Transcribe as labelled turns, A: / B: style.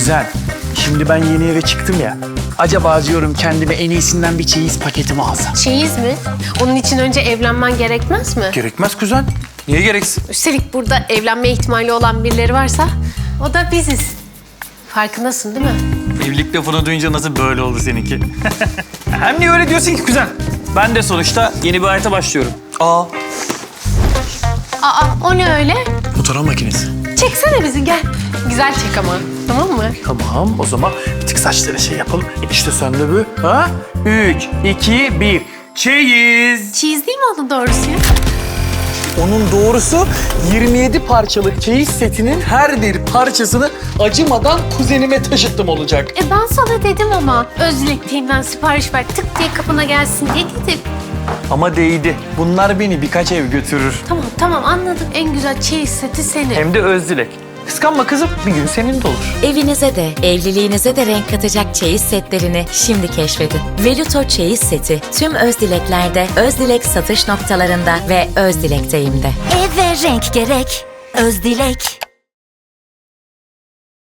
A: Kuzen, şimdi ben yeni eve çıktım ya. Acaba diyorum kendime en iyisinden bir çeyiz paketi mi alsam?
B: Çeyiz mi? Onun için önce evlenmen gerekmez mi?
A: Gerekmez kuzen. Niye gereksin?
B: Üstelik burada evlenme ihtimali olan birileri varsa o da biziz. Farkındasın değil mi?
A: Evlilik lafını duyunca nasıl böyle oldu seninki? Hem niye öyle diyorsun ki kuzen? Ben de sonuçta yeni bir hayata başlıyorum.
B: Aa, o ne öyle?
A: Fotoğraf makinesi.
B: Çeksene bizi gel. Güzel çek ama, tamam mı?
A: Tamam, o zaman bir tık saçlara şey yapalım. İşte sen de bu. Ha? 3, 2, 1. Çeyiz.
B: Çeyiz değil mi onun doğrusu ya?
A: Onun doğrusu 27 parçalık çeyiz setinin her bir parçasını acımadan kuzenime taşıttım olacak.
B: Ben sana dedim ama Özdilek'ten sipariş ver tık diye kapına gelsin diye dedim.
A: Ama değdi. Bunlar beni birkaç ev götürür.
B: Tamam anladım. En güzel çeyiz seti senin.
A: Hem de Özdilek. Kıskanma kızım, bir gün senin de olur.
C: Evinize de, evliliğinize de renk katacak çeyiz setlerini şimdi keşfedin. Veluto çeyiz seti tüm Özdileklerde, Özdilek satış noktalarında ve Özdilek'teyim'de.
D: Eve renk gerek, Özdilek.